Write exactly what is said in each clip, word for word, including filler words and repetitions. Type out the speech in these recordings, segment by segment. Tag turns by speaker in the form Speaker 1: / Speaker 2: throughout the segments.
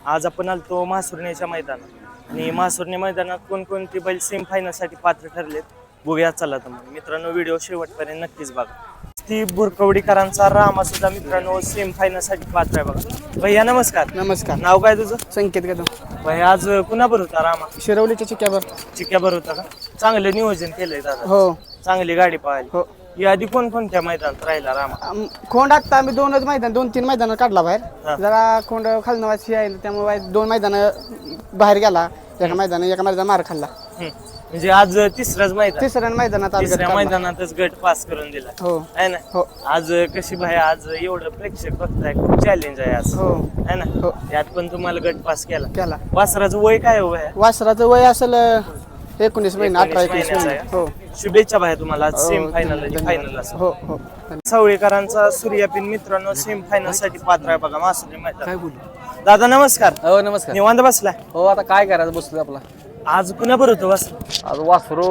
Speaker 1: आज आपण आलतो महासुरणीच्या मैदानात आणि महासुरणी मैदानात कोणकोणती बैल सेम फायनलसाठी पात्र ठरलेत बघूया. चला तर मग मित्रांनो व्हिडिओ शेवटपर्यंत नक्कीच बघा. ती बुरकवडीकरांचा रामा सुद्धा मित्रांनो सेम फायनलसाठी पात्र आहे बघा. भैया नमस्कार.
Speaker 2: नमस्कार.
Speaker 1: नाव काय तुझं?
Speaker 2: संकेत कदम.
Speaker 1: भैया आज कुणाबर होता रामा?
Speaker 2: शिरवलीच्या चिक्यावर.
Speaker 1: चिक्याबर होता का? चांगलं नियोजन केलंय दादा.
Speaker 2: हो
Speaker 1: चांगली गाडी पाहिली.
Speaker 2: हो.
Speaker 1: याआधी कोणकोणत्या मैदानात राहिला रामा?
Speaker 2: आम- खोंड आता आम्ही दोनच मैदान दोन तीन मैदान काढला
Speaker 1: हा.
Speaker 2: बाहेर. जरा खोंड खालनं वाची आहे त्यामुळे दोन मैदान बाहेर गेला. एका मैदान एका मैदान मार खाल्ला.
Speaker 1: हम्म. म्हणजे आज तिसरंच मैदान.
Speaker 2: तिसऱ्या मैदानात आज गट
Speaker 1: तिसऱ्या
Speaker 2: काढला.
Speaker 1: मैदानातच गट पास करून दिला
Speaker 2: हो
Speaker 1: आहे ना.
Speaker 2: हो
Speaker 1: आज कशी भाई आज एवढं प्रेक्षक बघताय खूप चॅलेंज आहे आज
Speaker 2: हो
Speaker 1: है ना.
Speaker 2: हो.
Speaker 1: त्यात पण तुम्हाला गट पास केला.
Speaker 2: केला.
Speaker 1: वासराचं वय काय हो भाया?
Speaker 2: वासराचं वय असेल एकोणीस महिने अठरा
Speaker 1: एकोणीस
Speaker 2: एकोणीस महिने.
Speaker 1: महिन्याचा
Speaker 2: हो
Speaker 1: शुभेच्छा भाया तुम्हाला आज सेम
Speaker 2: हो,
Speaker 1: फायनल
Speaker 2: धन्यवाद.
Speaker 1: फायनल असं.
Speaker 2: हो हो.
Speaker 1: सावळेकरांचा सूर्यापिन मित्रांनो सेम फायनल साठी पात्र आहे बघा मासुरी मैदान.
Speaker 2: काय बोलू?
Speaker 1: दादा नमस्कार.
Speaker 3: हो नमस्कार.
Speaker 1: निवांत बसलाय.
Speaker 3: हो आता काय करायचं बसलोय आपला.
Speaker 1: आज कुणा बरं होतं वासर?
Speaker 3: आज वासरू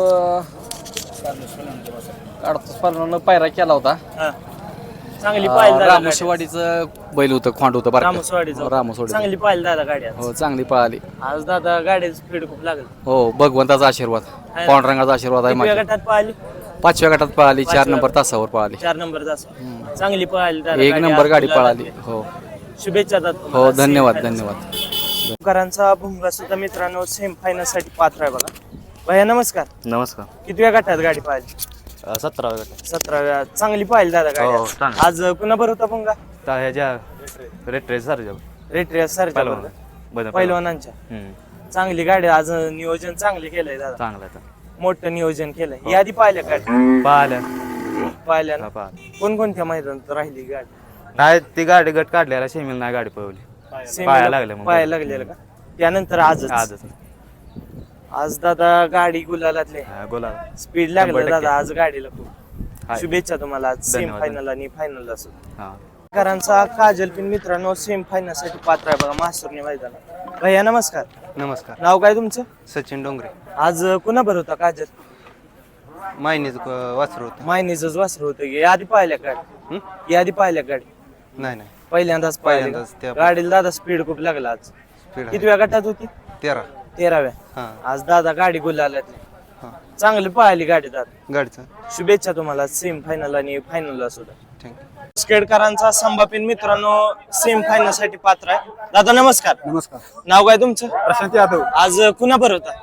Speaker 3: काढतो स्पर्धानं पायरा केला होता.
Speaker 1: हा. चांगली पाहिली दादा गाडी.
Speaker 3: रामशेवाडीचं बैल होतं खोंड होतं बरं का.
Speaker 1: रामसवाडीचं.
Speaker 3: रामसवाडी
Speaker 1: चांगली पाहिली दादा गाडी आज.
Speaker 3: हो चांगली पळाली.
Speaker 1: आज दादा गाडीचं स्पीड खूप लागलं.
Speaker 3: हो भगवंताचा आशीर्वाद
Speaker 1: आहे.
Speaker 3: पांडुरंगाचा आशीर्वाद आहे
Speaker 1: कितव्या
Speaker 3: माझ्या.
Speaker 1: गटात पाहिली?
Speaker 3: पाचव्या गटात पळाली चार
Speaker 1: पाचव्या
Speaker 3: नंबर तासावर पळाली.
Speaker 1: चार नंबर तास चांगली पळाली दादा
Speaker 3: एक
Speaker 1: गाडी.
Speaker 3: नंबर
Speaker 1: आज
Speaker 3: गाडी
Speaker 1: गुलाबात
Speaker 3: पळाली.
Speaker 1: आहे.
Speaker 3: हो
Speaker 1: शुभेच्छा दादा
Speaker 3: हो
Speaker 1: तुम्हाला.
Speaker 3: धन्यवाद
Speaker 1: सेम फायनल
Speaker 3: धन्यवाद.
Speaker 1: करांचा भुंगा सुद्धा मित्रांनो सेम फायनल साठी पात्र आहे बघा. भैया नमस्कार.
Speaker 4: नमस्कार.
Speaker 1: कितव्या गटात गाडी पाहिली?
Speaker 4: सतरा गट
Speaker 1: सतराव्या. चांगली पाहिली दादा
Speaker 4: हो,
Speaker 1: गाडी
Speaker 4: चांगली.
Speaker 1: आज कुणा बरं होता भुंगा?
Speaker 4: ह्याच्या रेट रेस सर
Speaker 1: रेट्रिया सरच्या पहिलवानांच्या. चांगली गाडी आज नियोजन चांगले केलंय दादा.
Speaker 4: चांगला आहे.
Speaker 1: मोठं नियोजन केलंय. यादी पाहिल्या गाडी
Speaker 4: पाहिलं
Speaker 1: पाहिल्या ना?
Speaker 4: पाहिलं.
Speaker 1: कोणकोणत्या मैदानात राहिली गाडी?
Speaker 4: नाही ती गाडी गट काढल्याला शेमील नाही गाडी पळवली.
Speaker 1: सेमीला
Speaker 4: पाया लागल्या मग.
Speaker 1: पाया लागलेलं का? त्यानंतर आजच
Speaker 4: आजच
Speaker 1: आज दादा गाडी गुलालातले
Speaker 4: हा, बोला.
Speaker 1: स्पीड लागलं
Speaker 4: शंभर टक्के.
Speaker 1: दादा आज गाडीला खूप.
Speaker 4: हाय.
Speaker 1: शुभेच्छा तुम्हाला आज सेम
Speaker 4: धन्यवाद.
Speaker 1: फायनल आणि फायनल असो.
Speaker 4: हा.
Speaker 1: करांचा काजल पिन मित्रांनो सेम फायनल साठी पात्र आहे बघा मासुरणी मैदानात. भैया नमस्कार.
Speaker 4: नमस्कार.
Speaker 1: नाव काय तुमचं?
Speaker 4: सचिन डोंगरे.
Speaker 1: आज कुणा बरं होता काजल?
Speaker 4: मायनीच वासरू होतं.
Speaker 1: मायनीच वासर होतं की आधी पाहिल्या गाडी? यादी पाहिल्या गाडी
Speaker 4: नाही नाही
Speaker 1: पहिल्यांदाच पाहिल्या
Speaker 4: पहिल्यांदाच
Speaker 1: का?
Speaker 4: त्या-
Speaker 1: गाडीला दादा स्पीड खूप लागला आज.
Speaker 4: स्पीड
Speaker 1: कितव्या गटात होती?
Speaker 4: तेरा.
Speaker 1: तेराव्या.
Speaker 4: हा
Speaker 1: आज दादा गाडी गुलालातली
Speaker 4: हा
Speaker 1: चांगली पाहिली गाडी दादा.
Speaker 4: गाडीचं.
Speaker 1: शुभेच्छा तुम्हाला सेम फायनल आणि फायनल सुद्धा.
Speaker 4: थँक्यू.
Speaker 1: स्केडकरांचा संभापिन मित्रांनो सेम फायनल साठी पात्र आहे. दादा नमस्कार.
Speaker 2: नमस्कार.
Speaker 1: नाव काय तुमचं?
Speaker 2: प्रशांत यादव.
Speaker 1: आज कुणा बरं होता?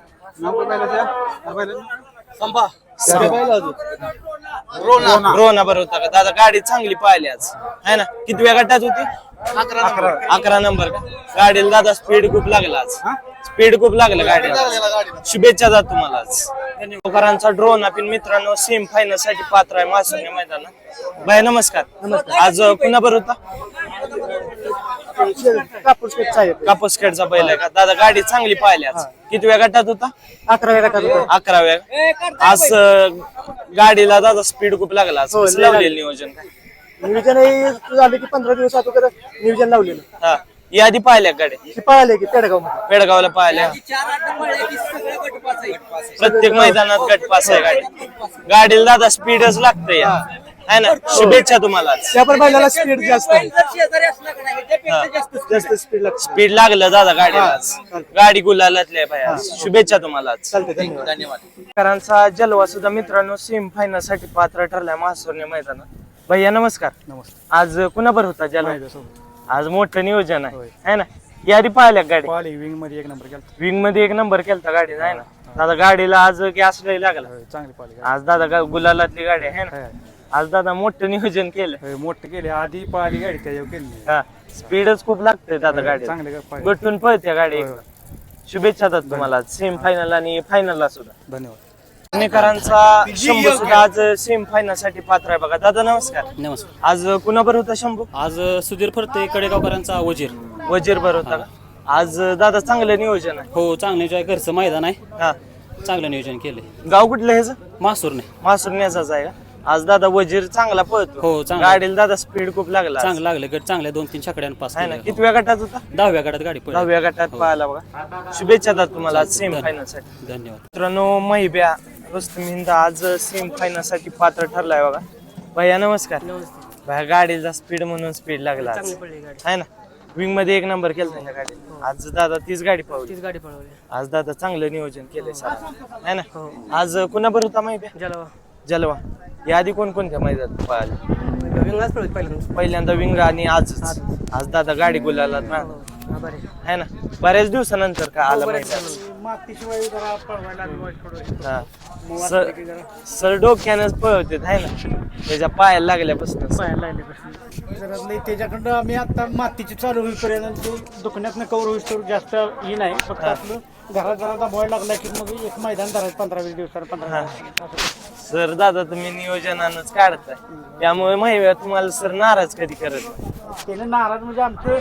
Speaker 2: संभा.
Speaker 1: रोना बरं होता का दादा? गाडी चांगली पाहिली आज है ना. कितव्या गटात होती? अकरा नंबर का? गाडीला दादा स्पीड खूप लागला आज. स्पीड खूप लागलं गाडीला. शुभेच्छा दादा तुम्हाला आज. धन्यवाद. ड्रोन आपण मित्रांनो सेम फायनल साठी पात्र आहे मासुरणी मैदानात. बाय नमस्कार. आज कुणा बरं होता? कापूसखेडचा बैल आहे का दादा? गाडी चांगली पाहिली आज. कितव्या गटात होता?
Speaker 2: अकराव्या गटात.
Speaker 1: अकराव्या. आज अं, गाडीला दादा स्पीड खूप लागला आज. कसं लावलेलं नियोजन काय?
Speaker 2: नियोजन झाले की पंधरा दिवस अगोदर नियोजन लावलेलं.
Speaker 1: हा यादी पाहिल्या गाडी
Speaker 2: पळाले की पेडगाव मध्ये.
Speaker 1: पेडगावला पाहिल्या. प्रत्येक मैदानात गट पास आहे गाडी. गाडीला दादा स्पीडच लागते या है ना. शुभेच्छा तुम्हाला आज.
Speaker 2: त्या पण बैलाला स्पीड जास्त आहे.
Speaker 1: जास्त स्पीड लागते. स्पीड लागलं दादा गाडीला आज. गाडी गुलालातली भाई. शुभेच्छा तुम्हाला आज.
Speaker 2: चालते. धन्यवाद.
Speaker 1: करांचा जलवा सुद्धा मित्रांनो सेम फायनल साठी पात्र ठरलाय मासुरणी मैदानात. भैया नमस्कार.
Speaker 2: नमस्कार.
Speaker 1: आज कुणाबर होता जलवा? आज मोठं नियोजन आहे है ना. यादी पाहिल्या गाडी
Speaker 2: पळाली विंग मध्ये एक नंबर केला.
Speaker 1: विंग मध्ये एक नंबर केलता गाडी आहे ना. दादा गाडीला आज गॅस लय लागला.
Speaker 2: चांगली पळाली.
Speaker 1: आज दादा गा- गुलालातली गाडी आहे ना. आज दादा मोठं नियोजन केलं.
Speaker 2: मोठे केले आधी पळाली गाडी त्याच्यावर केली.
Speaker 1: हा स्पीडच खूप लागते दादा गाडी.
Speaker 2: चांगले
Speaker 1: गटून पळते गाडी एकदम. शुभेच्छा दादा तुम्हाला सेम फायनल आणि फायनलला सुद्धा.
Speaker 2: धन्यवाद.
Speaker 1: पुणेकरांचा शंभू सुद्धा आज सेम फायनल साठी पात्र आहे बघा. दादा नमस्कार.
Speaker 5: नमस्कार.
Speaker 1: आज कुणाबर होता शंभू?
Speaker 5: आज सुधीर फरते कडेगावकरांचा वजीर.
Speaker 1: वजीर बर होता का? आज दादा चांगलं नियोजन आहे.
Speaker 5: हो चांगलं नियोजन. घरचं मैदान आहे.
Speaker 1: हा
Speaker 5: चांगलं नियोजन केलंय.
Speaker 1: गाव कुठलं ह्याचं?
Speaker 5: मासूरने.
Speaker 1: मासुरण्याचाच आहे का? आज दादा वजीर चांगला पळतो.
Speaker 5: हो, चांगला.
Speaker 1: गाडीला दादा स्पीड खूप लागला आज.
Speaker 5: चांगलं लागलं. गट चांगल्या दोन तीन छकड्यानं पास
Speaker 1: आहे ना.
Speaker 5: केलं.
Speaker 1: कितव्या गटात होता?
Speaker 5: दहाव्या गटात गाडी पडली.
Speaker 1: दहाव्या गटात पाहायला बघा. शुभेच्छा दादा तुम्हाला सेम फायनल साठी.
Speaker 5: धन्यवाद.
Speaker 1: मित्रांनो महिब्या रुस्तम हिंद आज सेम फायनल साठी पात्र ठरलाय बघा. भैया नमस्कार. भैया गाडीचा स्पीड म्हणून स्पीड लागला आज. आहे ना. विंग मध्ये एक नंबर केला ह्या गाडीला. आज दादा तीच गाडी पळवली.
Speaker 2: तीच गाडी पळवली.
Speaker 1: आज दादा चांगलं नियोजन केलंय सर है ना. आज कुणाबर होता माहिती आहे?
Speaker 2: जलवा
Speaker 1: जलवा. या आधी कोणकोणत्या मैदानात पळाले?
Speaker 2: विंगाच पळवली पहिल्यांदा.
Speaker 1: पहिल्यांदा विंग आणि आजच. आज दादा गाडी गुलाला है ना. बऱ्याच दिवसानंतर का आला मैदान.
Speaker 2: मातीशिवाय जरा पळवायला
Speaker 1: हा. सर सर डोक्यानंच पळवते है ना. त्याच्या पायाला लागल्यापासून
Speaker 2: पाहायला लागले जरा लई त्याच्याकडं आम्ही आता मातीची चालू होईपर्यंत ते दुखण्यातनं कवर होईस्तोवर जास्त ही नाही. फक्त आपलं घरात जरा दबावायला लागला की मग एक मैदान धरायचं पंधरा वीस दिवसाला पंधरा
Speaker 1: सर दादा तुम्ही नियोजनानच काढताय त्यामुळे माहिती तुम्हाला सर नाराज कधी करत नाही.
Speaker 2: त्याने नाराज म्हणजे आमचे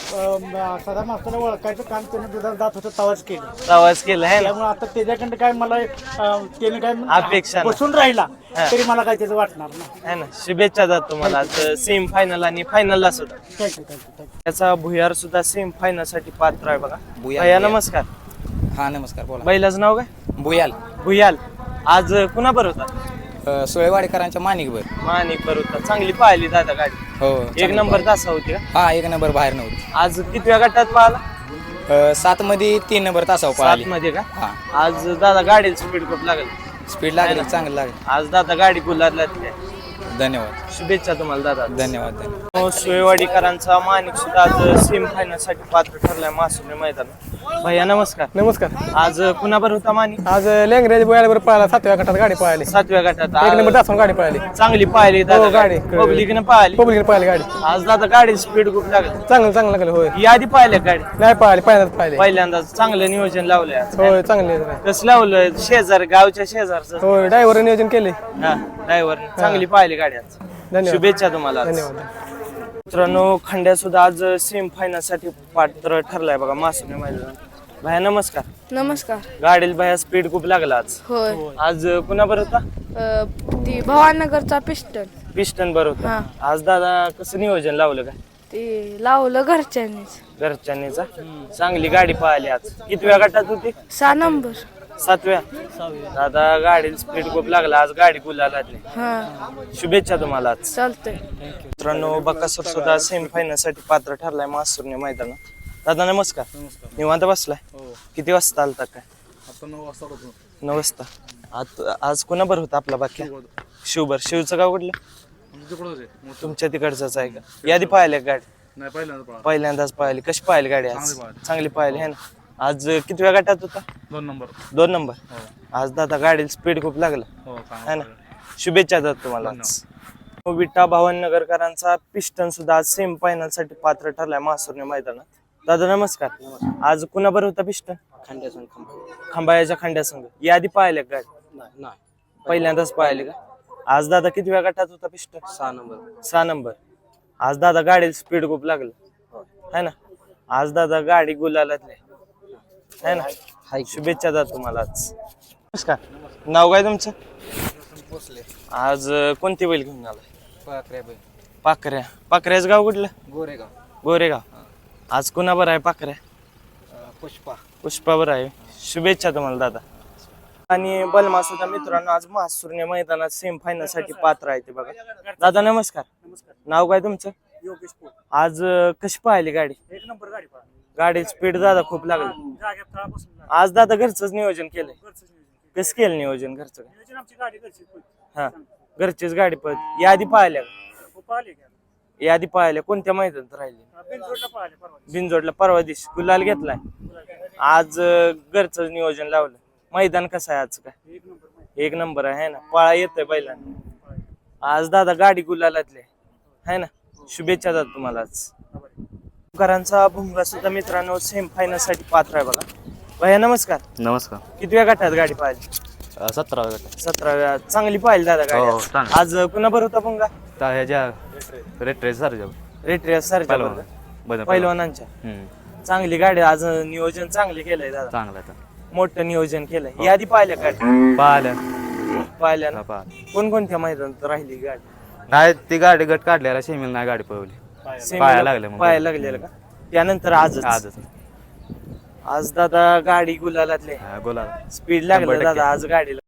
Speaker 2: सदा मास्तरला ओळखायचं काम त्याने दुधात जात होतं तवाच केलं.
Speaker 1: प्रवास केला आहे ना.
Speaker 2: त्यामुळे आता त्याच्याकडे काय मला अं, त्याने काय
Speaker 1: अपेक्षा नाही.
Speaker 2: बसून राहिला तरी मला काय त्याचं वाटणार नाही.
Speaker 1: है ना. शुभेच्छा जात तुम्हाला आज सेम फायनल आणि फायनलला सुद्धा.
Speaker 2: Thank you thank you thank you.
Speaker 1: त्याचा भुयार सुद्धा सेम फायनल साठी पात्र आहे बघा.
Speaker 3: भुयार,
Speaker 1: भैया
Speaker 3: भुयार.
Speaker 1: नमस्कार.
Speaker 3: हा नमस्कार बोला.
Speaker 1: बैलाचं नाव काय?
Speaker 3: बुयाल
Speaker 1: भुयाल. आज कुणाबर होता?
Speaker 3: अ, सुळेवाडेकरांच्या माणिकभर.
Speaker 1: मानिक बर होता. चांगली पाहिली दादा गाडी.
Speaker 3: हो
Speaker 1: एक नंबर तासा होती का?
Speaker 3: हा एक नंबर बाहेर नव्हती.
Speaker 1: आज कितव्या गटात पाहिला?
Speaker 3: अ, सात मध्ये तीन नंबर तासावर
Speaker 1: सात
Speaker 3: पळाली.
Speaker 1: मध्ये का?
Speaker 3: हा
Speaker 1: आज दादा गाडीला स्पीड खूप लागेल.
Speaker 3: स्पीड लागली चांगलं लागली.
Speaker 1: आज दादा गाडी गुलाबला.
Speaker 3: धन्यवाद
Speaker 1: शुभेच्छा तुम्हाला दादा.
Speaker 3: धन्यवाद धन्यवाद.
Speaker 1: सोयवाडीकरांचा मानिक सुद्धा आज सेम फायनल साठी पात्र ठरलाय मासुरी मैदान. भैया नमस्कार.
Speaker 2: नमस्कार.
Speaker 1: आज कुणाबर होता मानिक?
Speaker 2: आज लेंगरेज बोयाला पळाला सातव्या गटात गाडी पळाली.
Speaker 1: सातव्या गटात
Speaker 2: एक नंबर
Speaker 1: आज
Speaker 2: तासून गाडी पळाली.
Speaker 1: चांगली पाहिली दादा
Speaker 2: हो, गाडी.
Speaker 1: पब्लिकने पाहिली.
Speaker 2: पब्लिक पळाली गाडी.
Speaker 1: आज दादा गाडी स्पीड खूप लागली.
Speaker 2: चांगलं चांगलं लागलं होय.
Speaker 1: यादी पाहिल्या गाडी
Speaker 2: नाही पळाली पहिल्यांदाच पळाली.
Speaker 1: पहिल्यांदा चांगलं नियोजन लावलंय आज.
Speaker 2: होय चांगली
Speaker 1: कसं लावलंय? शेजार गावच्या शेजारचं.
Speaker 2: होय ड्रायव्हर नियोजन केले.
Speaker 1: हा ड्रायव्हर चांगली पाहिली गाडी आज.
Speaker 2: धन्यवाद
Speaker 1: शुभेच्छा तुम्हाला आज.
Speaker 2: धन्यवाद.
Speaker 1: मित्रांनो खंड्या सुद्धा आज सेम फायनल साठी पात्र ठरलाय बघा मासुरी मैदान. भाया नमस्कार.
Speaker 6: नमस्कार.
Speaker 1: गाडीला भाया स्पीड खूप लागला आज.
Speaker 6: होय.
Speaker 1: आज कुणाबर होता?
Speaker 6: अ, ती भवानगरचा पिस्टन
Speaker 1: पिस्टन बर होता.
Speaker 6: हा.
Speaker 1: आज दादा कसं नियोजन लावलं काय?
Speaker 6: ते लावलं घरच्यांनीच.
Speaker 1: घरच्यांनीचा. चांगली गाडी पाहिली आज. कितव्या गटात होती?
Speaker 6: सहा नंबर.
Speaker 1: सातव्या. दादा गाडीला स्पीड खूप लागला आज. गाडी गुलाला लागली.
Speaker 6: हा
Speaker 1: शुभेच्छा तुम्हाला आज.
Speaker 6: चालतंय.
Speaker 1: मित्रांनो बकासूर सुद्धा सेमी फायनल साठी पात्र ठरलाय मासुरने मैदानात. दादा नमस्कार. निवांत बसलाय? किती वाजता आलता काय? नऊ वाजता. आज आज कोणाबर होता आपला बाकी? शिवभर. शिवचं गाव कुठलं? तुमच्या तिकडचंच आहे का? यादी पाहिली का गाडी? पहिल्यांदाच पाहिली. कशी पाहिली गाडी आज? चांगली पाहिली है ना. आज कितव्या गटात होता?
Speaker 7: दोन नंबर.
Speaker 1: दोन नंबर. आज दादा गाडीला स्पीड खूप लागला है ना. शुभेच्छा दादा तुम्हाला आज. विटा भावनगरकरांचा पिस्टन सुद्धा आज सेम फायनल साठी पात्र ठरलाय मासुरने मैदानात. दादा नमस्कार. आज कुणाबर होता पिस्टन?
Speaker 5: खंड्यासन
Speaker 1: खंबाळ्याच्या खंड्या संघ. यादी पाहिल्या का गाडी? पहिल्यांदाच पाहिले का? आज दादा कितव्या गटात होता पिस्टन?
Speaker 5: सहा नंबर.
Speaker 1: सहा नंबर. आज दादा गाडीला स्पीड खूप लागलं है ना. आज दादा गाडी गुलालातली है ना. शुभेच्छा दादा तुम्हाला आज. नमस्कार. नाव काय तुमचं? आज कोणती बैल घेऊन आलाय? पाखऱ्या. पाखऱ्याच गाव कुठलं?
Speaker 3: गोरेगाव.
Speaker 1: गोरेगाव. आज कुणाबर आहे पाखऱ्या?
Speaker 3: पुष्पा.
Speaker 1: पुष्पावर आहे. शुभेच्छा तुम्हाला दादा. आणि बलमा सुद्धा मित्रांनो आज महासुरने मैदानात सेम फायनल साठी पात्र आहे ते बघा. दादा नमस्कार. नाव काय तुमचं? आज कशी पाहिली गाडी?
Speaker 2: एक नंबर गाडी पळाली.
Speaker 1: गाडी स्पीड दादा खूप लागली. आज दादा घरचंच नियोजन केलंय. कसं केलं नियोजन घरचं?
Speaker 2: आमची गाडी घरची
Speaker 1: हा घरचीच गाडी पळत. यादी पाहिल्या यादी पाहिल्या कोणत्या मैदानात राहिली? बिनजोडला परवा दिवशी गुलाल घेतलाय. आज घरचं नियोजन लावलं. मैदान कसं आहे आज? काय एक नंबर आहे ना. पळा येतोय बैलांना. आज दादा गाडी गुलालातले है ना. शुभेच्छा दादा तुम्हाला आज. करांचा भुंगा सुद्धा मित्रांनो सेम फायनल साठी पात्र आहे बघा. भैया नमस्कार.
Speaker 4: नमस्कार.
Speaker 1: कितव्या गटात गाडी पाहिली?
Speaker 4: सतरा गट.
Speaker 1: सतराव्या. चांगली पाहिली दादा
Speaker 4: हो,
Speaker 1: गाडी.
Speaker 4: चांगली.
Speaker 1: आज कुणाबर होता भुंगा?
Speaker 4: ह्याच्या रेट्रेस सर
Speaker 1: रेट्रिया सर पैलवानांच्या. चांगली गाडी आज. नियोजन चांगले केलंय दादा.
Speaker 4: चांगला आहे.
Speaker 1: मोठं नियोजन केलंय. यादी पाहिल्या गाडी?
Speaker 4: पाहिलं
Speaker 1: पाहिल्या ना.
Speaker 4: पाहिलं.
Speaker 1: कोणकोणत्या मैदानात राहिली गाडी?
Speaker 4: नाही ती गाडी गट काढल्याला शेमील नाही गाडी पळवली. पाया लागले मग.
Speaker 1: पाया लागलेलं का? त्यानंतर आजच.
Speaker 4: आजच.
Speaker 1: आज दादा गाडी गुलालातले
Speaker 4: बोला.
Speaker 1: स्पीड लागलं
Speaker 4: शंभर टक्के.
Speaker 1: दादा आज गाडीला.